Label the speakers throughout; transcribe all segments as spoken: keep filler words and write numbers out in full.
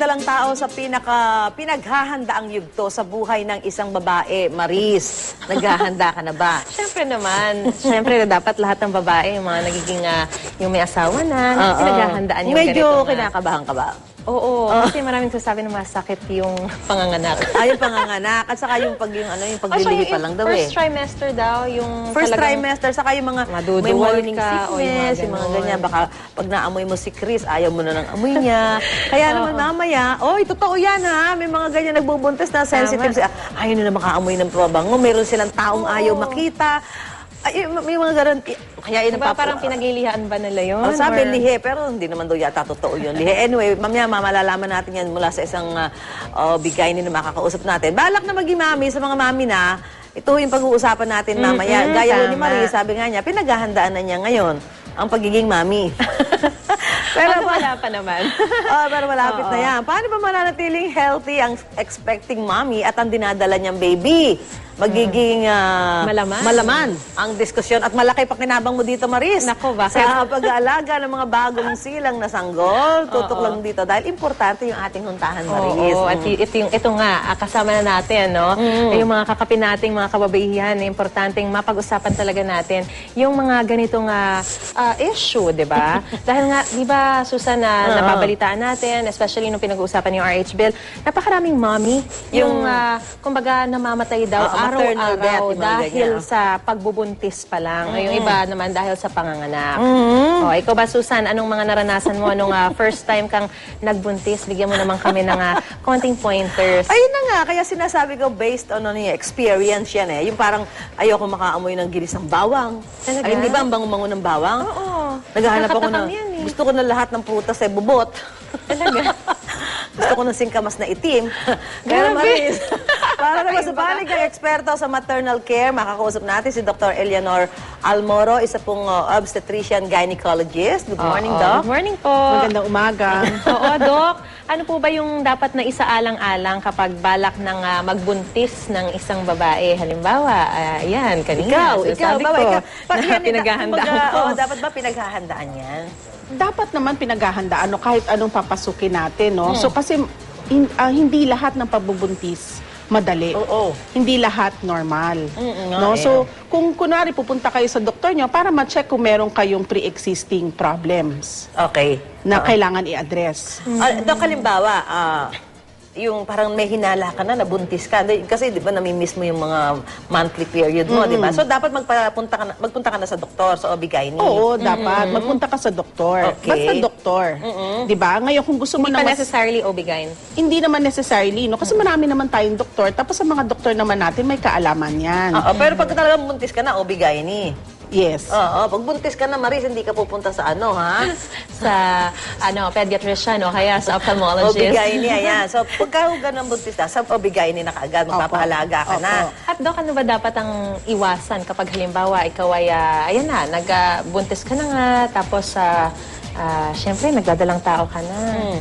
Speaker 1: nagdadalang tao sa pinaka pinaghahandaang yugto sa buhay ng isang babae. Maris, naghahanda ka na ba?
Speaker 2: Siyempre naman. Siyempre dapat lahat ng babae, yung mga nagiging, uh, yung may asawa na, uh, pinaghahandaan yung
Speaker 1: medyo
Speaker 2: ganito.
Speaker 1: Medyo kinakabahan ka ba?
Speaker 2: Oo, uh, kasi maraming sasabi na masakit yung panganganak.
Speaker 1: Ay, yung panganganak. At saka yung pag yung ano, yung paglilihi pa lang daw eh.
Speaker 2: First trimester daw, yung
Speaker 1: First trimester, saka yung mga may morning
Speaker 2: ka,
Speaker 1: sickness,
Speaker 2: o yung, mga
Speaker 1: yung mga ganyan. Baka pag naamoy mo si Chris, ayaw mo na ng amoy niya. Kaya naman mamaya, oy, totoo yan ha, may mga ganyan nagbubuntis na sensitive. Siya. Ayaw na makaamoy ng pabango. Meron silang taong oh. ayaw makita. Ay, may mga ganon. Kaya yun
Speaker 2: diba, parang pinaglilihaan ba nila yun?
Speaker 1: Oh, sabi, or... lihe, pero hindi naman daw yata totoo yun. Lihe. Anyway, mamaya malalaman natin yan mula sa isang uh, uh, bigay ni na makakausap natin. Balak na maging mami sa mga mami na, ito yung pag-uusapan natin mamaya. Mm-hmm, gaya ni Marie, sabi nga niya, pinaghahandaan na niya ngayon ang pagiging mami.
Speaker 2: Pero wala pa naman.
Speaker 1: Oh, pero malapit na yan. Paano ba mananatiling healthy ang expecting mommy at ang dinadala niyang baby? Magiging uh,
Speaker 2: malaman.
Speaker 1: malaman ang diskusyon. At malaki pa kinabang mo dito, Maris.
Speaker 2: Nako, bakit?
Speaker 1: Sa pag-aalaga ng mga bagong silang na sanggol. Tutok lang dito. Dahil importante yung ating huntahan, Maris.
Speaker 2: Oo, at ito, yung, ito nga, kasama na natin, no? Mm. Yung mga kakapin nating mga kababaihan, importanteng mapag-usapan talaga natin yung mga ganitong uh, uh, issue, di ba? Dahil nga, di ba, Susan, na uh, napabalitaan natin, especially nung pinag-uusapan yung R H bill, napakaraming mommy, yung, uh, kumbaga, namamatay daw uh, araw-araw dahil sa pagbubuntis pa lang. Mm. Yung iba naman dahil sa panganganak. Mm. O, ikaw ba, Susan, anong mga naranasan mo nung uh, first time kang nagbuntis? Bigyan mo naman kami ng uh, konting pointers.
Speaker 1: Ayun na nga, kaya sinasabi ko based on ano, experience yan eh. Yung parang ayoko makaamoy ng gilis ng bawang. Talaga? Ay, hindi ba ang bango-bango ng bawang?
Speaker 2: Oo.
Speaker 1: Naghahanap ako na, eh. gusto ko na lahat ng prutas ay bubot.
Speaker 2: Talaga?
Speaker 1: Gusto ko ng singkamas na itim. Kaya Maris, para naman sa panig ng eksperto sa maternal care, makakausap natin si Doctor Eleanor Almoro, isa pong uh, obstetrician gynecologist. Good morning, uh, Doc.
Speaker 2: Good morning po.
Speaker 3: Magandang umaga.
Speaker 2: Oo, Doc. Ano po ba yung dapat na isaalang-alang kapag balak ng uh, magbuntis ng isang babae? Halimbawa, uh, yan, kanina.
Speaker 1: Ikaw, ikaw,
Speaker 2: sabi
Speaker 1: ba,
Speaker 2: ko,
Speaker 1: ikaw. Pa,
Speaker 2: na pinaghahandaan ko.
Speaker 1: Oh, dapat ba pinaghahandaan yan?
Speaker 3: Dapat naman pinaghahandaan no, kahit anong papasukin natin. No? Hmm. So kasi in, uh, hindi lahat ng pagbubuntis madali.
Speaker 1: Oo. Oh, oh.
Speaker 3: Hindi lahat normal.
Speaker 1: Mm-mm,
Speaker 3: no?
Speaker 1: eh.
Speaker 3: So kung kunwari pupunta kayo sa doktor nyo para ma-check kung meron kayong pre-existing problems.
Speaker 1: Okay.
Speaker 3: Na
Speaker 1: uh-huh.
Speaker 3: kailangan i-address.
Speaker 1: Mm-hmm. Uh, Dok, halimbawa, uh, yung parang may hinala ka na, nabuntis ka. Kasi di ba namimiss mo yung mga monthly period mo, mm-hmm. di ba? So dapat magpunta ka na, magpunta ka na sa doktor, sa O B G Y N.
Speaker 3: Oo, mm-hmm. dapat. Magpunta ka sa doktor.
Speaker 1: Okay.
Speaker 3: Basta doktor. Mm-hmm. Di ba? Ngayon kung gusto mo
Speaker 2: hindi
Speaker 3: na
Speaker 2: pa
Speaker 3: mas...
Speaker 2: necessarily O B G Y N?
Speaker 3: Hindi naman necessarily, no? Kasi marami naman tayong doktor. Tapos sa mga doktor naman natin, may kaalaman yan.
Speaker 1: Oo, pero pag talagang buntis ka na, O B G Y N.
Speaker 3: Yes.
Speaker 1: Oo, pag buntis ka na, Maris, hindi ka pupunta sa ano, ha?
Speaker 2: sa, ano, pediatrician, o kaya sa ophthalmologist.
Speaker 1: O B G Y N, ayan. So, pagka ganun buntis na, sa O B G Y N na kaagad, magpapahalaga ka
Speaker 3: Opo.
Speaker 1: na.
Speaker 2: At Doc, ano ba dapat ang iwasan kapag halimbawa, ikaw ay, uh, ayan na, nagbuntis ka na nga, tapos, uh, uh, syempre, nagdadalang tao ka na. Hmm.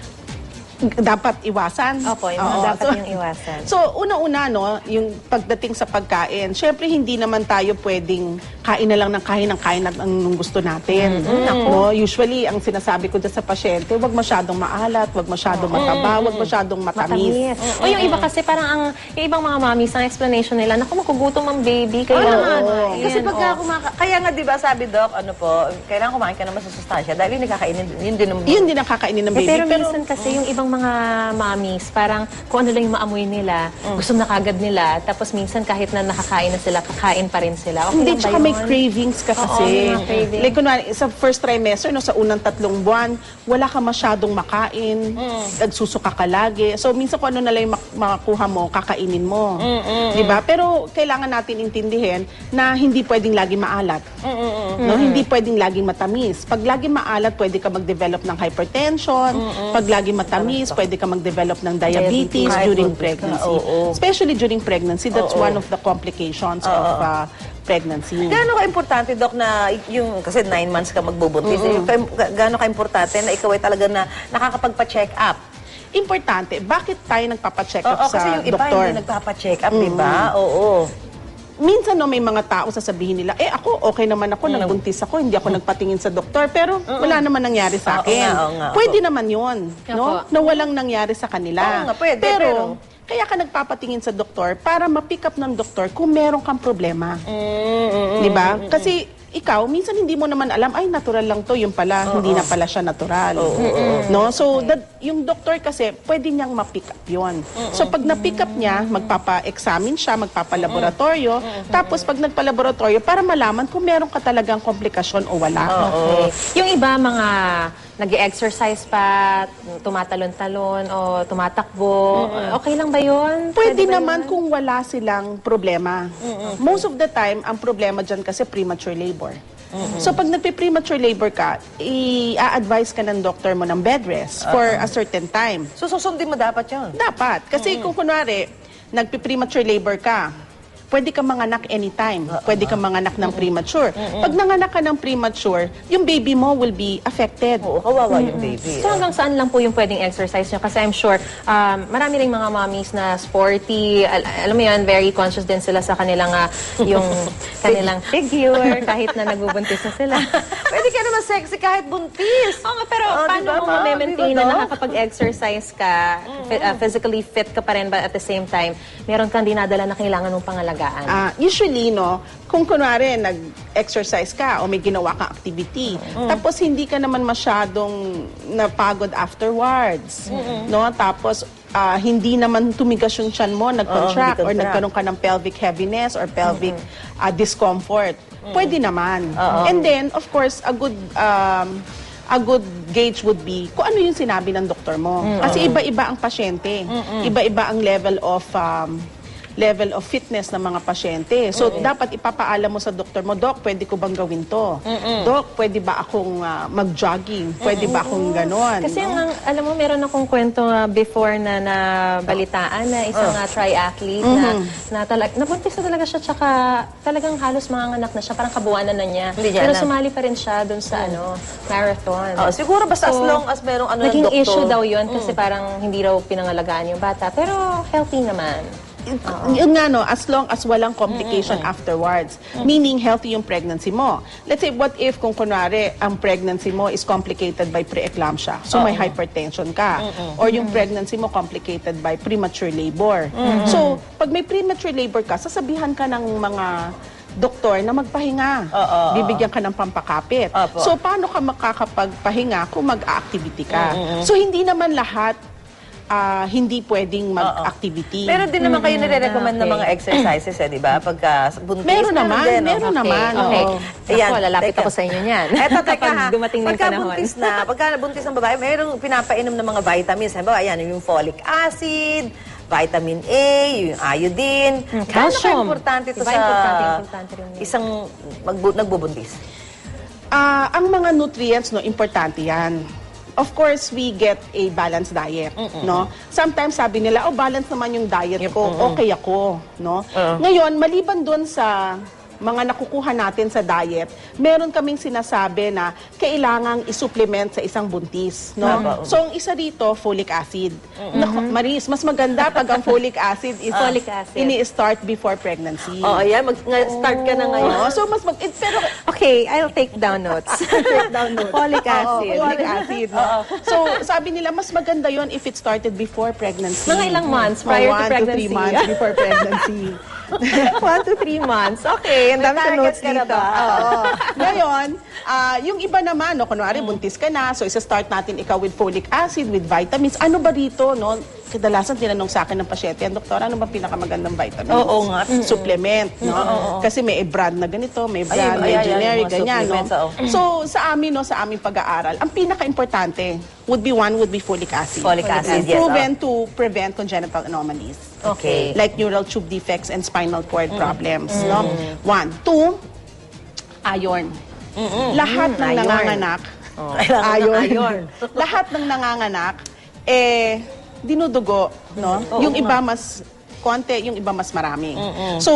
Speaker 3: Dapat iwasan.
Speaker 2: Opo, yung
Speaker 3: Oo.
Speaker 2: dapat
Speaker 3: So,
Speaker 2: yung iwasan.
Speaker 3: So, una-una, no, yung pagdating sa pagkain, syempre hindi naman tayo pwedeng kain na lang ng kain ng kain at ang gusto natin. Mm-hmm. No, usually, ang sinasabi ko dyan sa pasyente, wag masyadong maalat, wag masyadong mataba, wag masyadong matamis.
Speaker 2: Matamis. Mm-hmm. O yung iba kasi parang ang, yung ibang mga mommies, ang explanation nila, naku, makugutom ang baby, kailangan.
Speaker 1: Oh, kasi pagka kumaka... Kaya nga, di ba, sabi Doc, ano po, kailangan kumain ka naman sa sustansya dahil yung nakakainin, yun din ang...
Speaker 3: Yun din ang kakainin ng baby.
Speaker 2: Eh, pero, pero minsan kasi yung ibang mga mommies, parang kung ano lang yung maamoy nila, mm. gusto na kagad nila, tapos minsan kahit na nakakain na sila, kakain pa rin sila. Okay.
Speaker 3: Hindi, tsaka may cravings ka kasi.
Speaker 2: Oo, cravings.
Speaker 3: Like, kunwari, sa first trimester, no, sa unang tatlong buwan, wala ka masyadong makain, mm. nagsusuka ka lagi. So, minsan kung ano na lang yung mak makakuha mo, kakainin mo. Mm, mm, mm. Diba? Pero, kailangan natin intindihin na hindi pwedeng lagi maalat. Mm, mm, mm. No? Mm. Hindi pwedeng laging matamis. Pag lagi maalat, pwede ka mag-develop ng hypertension. Mm, mm. Pag lagi matamis, pwede ka mag-develop ng diabetes, diabetes during pregnancy. Oh, oh. Especially during pregnancy, that's oh, oh. one of the complications oh, of uh, pregnancy.
Speaker 1: Gaano ka-importante, Doc, na yung, kasi nine months ka magbubuntis, mm-hmm. gaano ka-importante na ikaw ay talaga na nakakapagpa-check up?
Speaker 3: Importante. Bakit tayo nagpapa-check up
Speaker 1: oh, oh,
Speaker 3: sa doktor?
Speaker 1: Kasi yung iba hindi nagpapa-check up, mm-hmm. di ba? Oo.
Speaker 3: minsan no, may mga tao sasabihin nila, eh ako, okay naman ako,
Speaker 1: Mm.
Speaker 3: nagbuntis ako, hindi ako nagpatingin sa doktor, pero wala naman nangyari sa
Speaker 1: Oo
Speaker 3: akin.
Speaker 1: nga, oo nga,
Speaker 3: Pwede naman yun, no?
Speaker 2: Opo.
Speaker 3: Na walang nangyari sa kanila.
Speaker 1: Oo nga, pwede,
Speaker 3: pero,
Speaker 1: pero-
Speaker 3: kaya ka nagpapatingin sa doktor para ma-pick up ng doktor kung meron kang problema.
Speaker 1: Mm,
Speaker 3: Di ba? Kasi ikaw, minsan hindi mo naman alam, ay, natural lang to, yung pala, hindi na pala siya natural. No? So, that, yung doktor kasi, pwede niyang ma-pick up yun. So, pag na-pick up niya, magpapa-examine siya, magpapa-laboratorio, tapos pag nagpa-laboratorio, para malaman kung meron ka talagang komplikasyon o wala.
Speaker 2: Okay. Yung iba, mga nag-exercise pa, tumatalon-talon o tumatakbo, okay lang ba yun?
Speaker 3: Pwede
Speaker 2: ba
Speaker 3: naman
Speaker 2: yun?
Speaker 3: kung wala silang problema. Most of the time, ang problema dyan kasi premature labor. So pag nagpe-premature labor ka, i-advise ka ng doctor mo ng bed rest for a certain time.
Speaker 1: So, susundin mo dapat yun.
Speaker 3: Dapat. Kasi kung kunwari, nagpe-premature labor ka, pwede ka manganak anytime. Pwede ka manganak ng premature. Pag nanganak ka ng premature, yung baby mo will be affected.
Speaker 1: Oo, kawawa yung baby.
Speaker 2: So hanggang saan lang po yung pwedeng exercise nyo? Kasi I'm sure, um, marami ring mga mommies na sporty, al- alam mo yun, very conscious din sila sa kanilang, ah, yung kanilang figure, kahit na nagbubuntis na sila.
Speaker 1: Pwede ka naman sexy kahit buntis.
Speaker 2: Oo nga, pero
Speaker 1: Oh,
Speaker 2: paano
Speaker 1: diba,
Speaker 2: mo
Speaker 1: ma'am?
Speaker 2: ma-maintain
Speaker 1: Diba,
Speaker 2: na
Speaker 1: Doc?
Speaker 2: nakakapag-exercise ka, fi- ah, physically fit ka pa rin, but at the same time, meron kang dinadala na kailangan mong pangalagaan?
Speaker 3: Ah, usually, no, kung kunwari nag-exercise ka o may ginawa kang activity, tapos hindi ka naman masyadong napagod afterwards, no? Tapos ah, hindi naman tumigas yung tiyan mo, nag-contract
Speaker 1: hindi
Speaker 3: or
Speaker 1: contract.
Speaker 3: nagkaroon ka ng pelvic heaviness or pelvic ah, discomfort. Pwede naman. And then, of course, a good um, a good gauge would be kung ano yung sinabi ng doktor mo. Kasi iba-iba ang pasyente. Iba-iba ang level of um, level of fitness ng mga pasyente. So, dapat ipapaalam mo sa doktor mo, Doc, pwede ko bang gawin to? Doc, pwede ba akong ah, mag-jogging? Pwede ba akong ganon?
Speaker 2: Kasi
Speaker 3: no?
Speaker 2: ang, alam mo, meron akong kwento ah, before na nabalitaan na isang ah, triathlete na, na talag, nabuntis na talaga siya, tsaka talagang halos manganganak na siya, parang kabuwanan na niya.
Speaker 1: Hindi niya
Speaker 2: Pero
Speaker 1: alam.
Speaker 2: sumali pa rin siya dun sa ano, marathon.
Speaker 1: Oh, siguro basta as
Speaker 2: So,
Speaker 1: long as merong ano ng
Speaker 2: naging
Speaker 1: doktor.
Speaker 2: issue daw yun kasi parang hindi raw pinangalagaan yung bata. Pero healthy naman.
Speaker 3: Yun nga no, as long as walang complication afterwards. Meaning, healthy yung pregnancy mo. Let's say, what if kung kunwari, ang pregnancy mo is complicated by preeclampsia. So, may hypertension ka. Or yung pregnancy mo complicated by premature labor. So, pag may premature labor ka, sasabihan ka ng mga doktor na magpahinga.
Speaker 1: Oo,
Speaker 3: Bibigyan ka ng pampakapit.
Speaker 1: Opo.
Speaker 3: So, paano ka makakapagpahinga kung mag-activity ka? So, hindi naman lahat ah, hindi pwedeng mag-activity.
Speaker 1: Pero din naman kayo nire-recommend ng
Speaker 2: okay.
Speaker 1: mga exercises, eh, di ba? Pagka buntis.
Speaker 3: Meron naman,
Speaker 1: din, no?
Speaker 3: meron naman.
Speaker 2: Okay.
Speaker 3: oo.
Speaker 1: Ayan,
Speaker 2: Ako, lalapit
Speaker 1: teka.
Speaker 2: ako sa inyo niyan.
Speaker 1: Eto, teka
Speaker 2: Kapag
Speaker 1: ha.
Speaker 2: dumating na yung
Speaker 1: Pagka
Speaker 2: panahon.
Speaker 1: buntis na, pagka buntis ng babae, mayroong pinapainom ng mga vitamins. Halimbawa, ayan, yung folic acid, vitamin A, yung iodine.
Speaker 2: Mm,
Speaker 1: Gaano
Speaker 2: calcium.
Speaker 1: ka-importante ito
Speaker 2: Diba,
Speaker 1: sa
Speaker 2: importante, importante rin yun.
Speaker 1: isang magbu- nagbubuntis?
Speaker 3: Ah, ang mga nutrients, no, importante yan. Of course, we get a balanced diet, no? Sometimes sabi nila, oh, balance naman yung diet ko, okay ako, no? Ngayon, maliban doon sa mga nakukuha natin sa diet, meron kaming sinasabi na kailangang isupplement sa isang buntis, no?
Speaker 1: Tama.
Speaker 3: So, ang isa dito, folic acid. Naku, Maris, mas maganda pag ang folic acid is
Speaker 2: Folic acid.
Speaker 3: ini-start before pregnancy.
Speaker 1: Oo, ayan. Mag-start ka na ngayon.
Speaker 3: Oo, so mas mag... eh, pero
Speaker 2: Okay, I'll take down notes.
Speaker 3: take down notes.
Speaker 2: Folic
Speaker 3: Oo,
Speaker 2: acid.
Speaker 3: folic acid. no? So, sabi nila, mas maganda yon if it started before pregnancy.
Speaker 2: Mga ilang months
Speaker 3: Mga
Speaker 2: prior to
Speaker 3: one
Speaker 2: pregnancy.
Speaker 3: to three months before pregnancy.
Speaker 2: One to three months. Okay, ang dami
Speaker 1: May
Speaker 2: sa notes
Speaker 1: target ka na
Speaker 2: dito.
Speaker 1: ba?
Speaker 3: Oo. Ngayon, ah, yung iba naman, no, kunwari, buntis ka na, so isa-start natin ikaw with folic acid, with vitamins. Ano ba dito, no? Kadalasan tinanong sa akin ng pasyente, doktor, ano ba pinakamagandang vitamins?
Speaker 1: Oo nga.
Speaker 3: Supplement, no? Kasi may brand na ganito, may brand,
Speaker 1: Ayun,
Speaker 3: may
Speaker 1: ayan, ayan,
Speaker 3: generic,
Speaker 1: mga
Speaker 3: ganyan, no?
Speaker 1: supplements, oo.
Speaker 3: So, sa amin, no, sa aming pag-aaral, ang pinaka-importante would be one, would be folic acid.
Speaker 1: Folic acid,
Speaker 3: It's
Speaker 1: yes,
Speaker 3: proven to prevent congenital anomalies.
Speaker 1: Okay.
Speaker 3: Like neural tube defects and spinal cord problems, no? One. Two, iron. Lahat ng
Speaker 1: Iron.
Speaker 3: nanganganak,
Speaker 1: Kailangan ng
Speaker 3: iron.
Speaker 1: iron.
Speaker 3: Lahat ng nanganganak, eh, dinudugo, no? Yung iba mas konti, yung iba mas marami. So,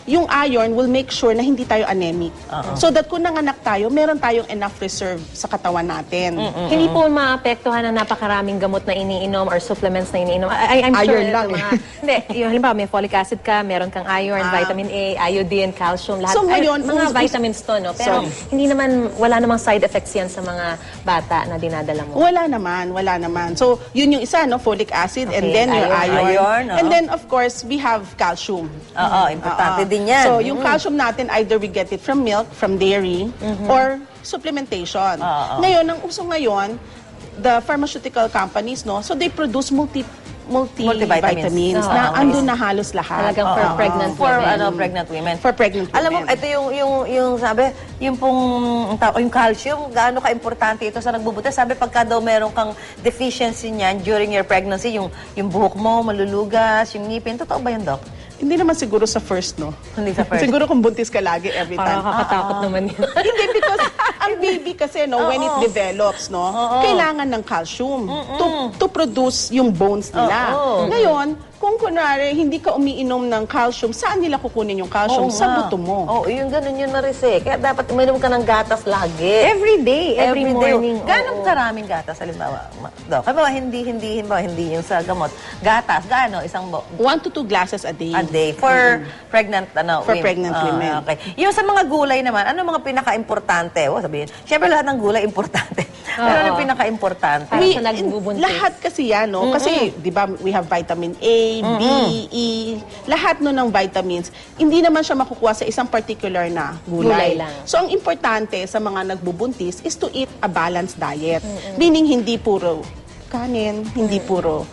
Speaker 3: yung iron will make sure na hindi tayo anemic. So that kung nanganak tayo, meron tayong enough reserve sa katawan natin.
Speaker 2: Hindi po maapektuhan ng napakaraming gamot na iniinom or supplements na iniinom. I, I'm sure
Speaker 3: Iron
Speaker 2: ito
Speaker 3: lang, eh.
Speaker 2: mga, hindi, yung halimbawa may folic acid ka, meron kang iron,
Speaker 3: Ah.
Speaker 2: vitamin A, iodine, calcium, lahat.
Speaker 3: So, ngayon,
Speaker 2: Ay, mga
Speaker 3: us- us-
Speaker 2: vitamins to, no? Pero
Speaker 3: So-
Speaker 2: hindi naman, wala namang side effects yan sa mga bata na dinadala mo.
Speaker 3: Wala naman, wala naman. So, yun yung isa, no? Folic acid, and
Speaker 2: Okay,
Speaker 3: then your
Speaker 2: iron.
Speaker 3: iron.
Speaker 1: Iron, oo.
Speaker 3: And then, of course, we have calcium.
Speaker 1: Oo, importante
Speaker 3: Oo.
Speaker 1: din yan.
Speaker 3: So, yung calcium natin, either we get it from milk, from dairy, or supplementation.
Speaker 1: Oo.
Speaker 3: Ngayon, ang uso ngayon, the pharmaceutical companies, no? So, they produce multi multivitamins
Speaker 1: Multivitamins.
Speaker 3: na
Speaker 2: Oo.
Speaker 3: andun na halos lahat.
Speaker 2: Talagang for
Speaker 3: Oo.
Speaker 2: pregnant
Speaker 1: For
Speaker 2: women.
Speaker 1: ano, pregnant women.
Speaker 3: For pregnant
Speaker 1: Alam mo,
Speaker 3: women.
Speaker 1: ito yung, yung, yung sabi, yung pong, ang tawag- yung calcium, gaano ka-importante ito sa nagbubuntis. Sabi, pagka daw meron kang deficiency niyan during your pregnancy, yung, yung buhok mo, malulugas, yung ngipin. Totoo ba yun, Doc?
Speaker 3: Hindi naman siguro sa first, no?
Speaker 1: Hindi sa first.
Speaker 3: Siguro kung buntis ka lagi every
Speaker 2: Parang
Speaker 3: time.
Speaker 2: nakakatakot naman yun.
Speaker 3: Hindi, because ang baby kasi, no, when it develops, no, kailangan ng calcium to, to produce yung bones nila.
Speaker 1: Oo.
Speaker 3: Ngayon, kung kunwari, hindi ka umiinom ng calcium, saan nila kukunin yung calcium?
Speaker 1: Oo
Speaker 3: Sa
Speaker 1: nga.
Speaker 3: buto mo.
Speaker 1: Oo, yung ganun yun, Marise. Kaya dapat uminom ka ng gatas lagi.
Speaker 2: Every day, every,
Speaker 1: day.
Speaker 2: morning.
Speaker 1: Gano'ng
Speaker 2: oo.
Speaker 1: karaming gatas, halimbawa, ma- Doc? Halimbawa, hindi, hindi, halimbawa, hindi yung sa gamot. Gatas, gaano? Isang bo-
Speaker 3: One to two glasses a day.
Speaker 1: a day for pregnant ano
Speaker 3: For
Speaker 1: women.
Speaker 3: pregnant
Speaker 1: Ah,
Speaker 3: women.
Speaker 1: Okay. Yung sa mga gulay naman, ano mga pinaka-importante? O sabihin, syempre lahat ng gulay importante. Pero ano yung pinaka-importante?
Speaker 2: Para
Speaker 3: We-
Speaker 2: sa nagbubuntis.
Speaker 3: lahat kasi yan, no? Kasi, di ba, we have vitamin A, B, E, lahat no ng vitamins, hindi naman siya makukuha sa isang particular na
Speaker 2: Gulay
Speaker 3: gulay.
Speaker 2: lang.
Speaker 3: So, ang importante sa mga nagbubuntis is to eat a balanced diet. Meaning, hindi puro kanin, hindi puro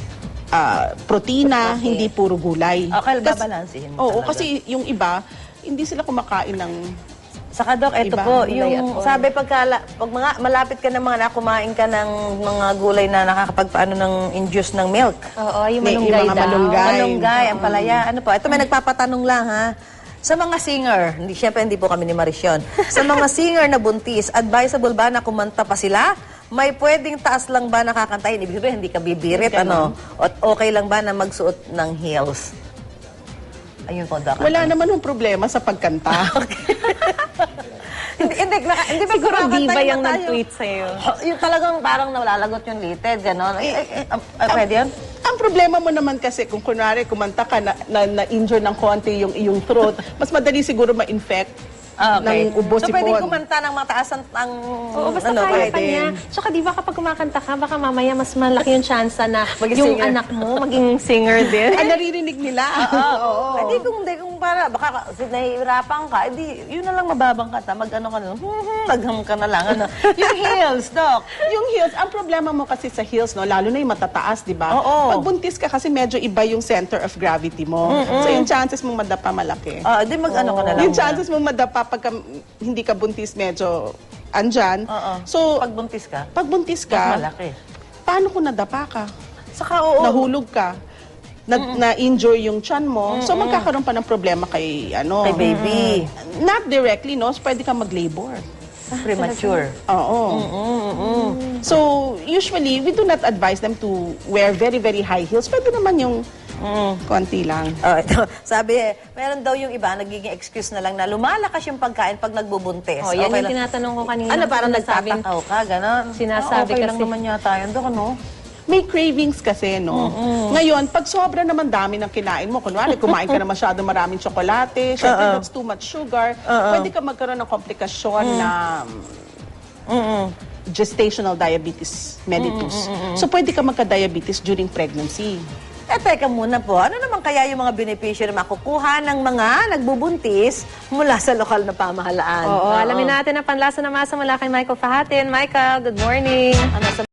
Speaker 3: ah, protina, hindi puro gulay.
Speaker 1: Okay,
Speaker 3: Kas-
Speaker 1: babalansihin mo
Speaker 3: Oo,
Speaker 1: talaga.
Speaker 3: kasi yung iba, hindi sila kumakain ng
Speaker 1: Saka, Doc, ito
Speaker 3: Iba,
Speaker 1: po,
Speaker 2: gulay at
Speaker 1: yung
Speaker 2: all.
Speaker 1: sabi pagka, pag mga, malapit ka ng mga nakumain ka ng mga gulay na nakakapagpaano ng induce ng milk.
Speaker 2: Oo, yung
Speaker 3: May-
Speaker 2: malunggay
Speaker 3: yung mga
Speaker 2: daw.
Speaker 3: malunggay.
Speaker 1: Malunggay, ang palaya. Ano po? Ito may nagpapatanong lang ha. Sa mga singer, hindi syempre hindi po kami ni Marisyon. Sa mga singer na buntis, advisable ba na kumanta pa sila? May pwedeng taas lang ba nakakantahin? Ibig sabihin, hindi ka bibirit, ano? O okay lang ba na magsuot ng heels? Ayun po, Doc.
Speaker 3: wala naman yung problema sa pagkanta.
Speaker 1: hindi, hindi, naka, hindi ba
Speaker 2: Siguro
Speaker 1: kumakanta
Speaker 2: diba
Speaker 1: yung
Speaker 2: yung
Speaker 1: tayo?
Speaker 2: nag-tweet sa'yo.
Speaker 1: Yung talagang parang nawalagot yung litid, gano'n. Eh, eh, eh, ah, ah, pwede yun?
Speaker 3: Ang problema mo naman kasi kung kunwari kumanta ka na, na, na-injure ng konti yung iyong throat, mas madali siguro ma-infect
Speaker 1: Ah, okay.
Speaker 3: ng ubo
Speaker 1: So, pwede
Speaker 3: sipon.
Speaker 1: kumanta ng mataas ang... ang
Speaker 2: Oo, basta
Speaker 1: ano,
Speaker 2: kaya pa
Speaker 3: pwede.
Speaker 2: niya. Tsaka di ba kapag kumakanta ka, baka mamaya mas malaki yung chance na
Speaker 1: Maging
Speaker 2: yung
Speaker 1: singer.
Speaker 2: anak mo maging singer din.
Speaker 3: Ay, naririnig nila. Oo.
Speaker 1: Hindi kung, hindi kung para, baka ka- si- nahihirapan ka, edi, yun na lang mababang kata, mag-ano ka na, hmm, nagham ka na lang, ano. Yung heels, Doc.
Speaker 3: Yung heels, ang problema mo kasi sa heels, no, lalo na yung matataas, di ba?
Speaker 1: Oo.
Speaker 3: Pag buntis ka kasi medyo iba yung center of gravity mo. So yung chances mong madapa malaki.
Speaker 1: Ah, di mag-ano ka na lang.
Speaker 3: Yung chances mong madapa pagka hindi ka buntis medyo andyan.
Speaker 1: Oo.
Speaker 3: So,
Speaker 1: Pag buntis ka,
Speaker 3: pag buntis
Speaker 1: mas
Speaker 3: ka,
Speaker 1: malaki.
Speaker 3: paano kung nadapa ka?
Speaker 1: Saka, oo.
Speaker 3: Nahulog ka? Na, na-injure yung chan mo? So, magkakaroon pa ng problema kay, ano?
Speaker 1: Kay baby.
Speaker 3: Not directly, no? So, pwede ka mag-labor.
Speaker 1: Premature.
Speaker 3: Oo. So, usually, we do not advise them to wear very, very high heels. Pwede naman yung konti lang.
Speaker 1: Oh, ito. Sabi eh, meron daw yung iba, nagiging excuse na lang na lumalakas yung pagkain pag nagbubuntis.
Speaker 2: Oh, yan
Speaker 1: Okay
Speaker 2: yung
Speaker 1: lang.
Speaker 2: tinatanong ko kanina.
Speaker 1: Ano, parang
Speaker 2: Sinasabing-
Speaker 1: nagtatakaw ka, gano'n?
Speaker 2: Sinasabi
Speaker 1: okay lang
Speaker 2: kasi-
Speaker 1: naman yata yun, Dok, ano?
Speaker 3: May cravings kasi, no? Ngayon, pag sobra naman dami ng kinain mo, kunwari, kumain ka na masyado maraming tsokolate, syempre that's too much sugar, pwede ka magkaroon ng komplikasyon na gestational diabetes mellitus. So, pwede ka magka-diabetes during pregnancy.
Speaker 1: Eh, teka muna po, ano naman kaya yung mga benepisyo na makukuha ng mga nagbubuntis mula sa lokal na pamahalaan?
Speaker 2: Oo, alamin natin ang panlasa na masa mula kay Michael Fahatin. Michael, good morning.
Speaker 1: Ano sa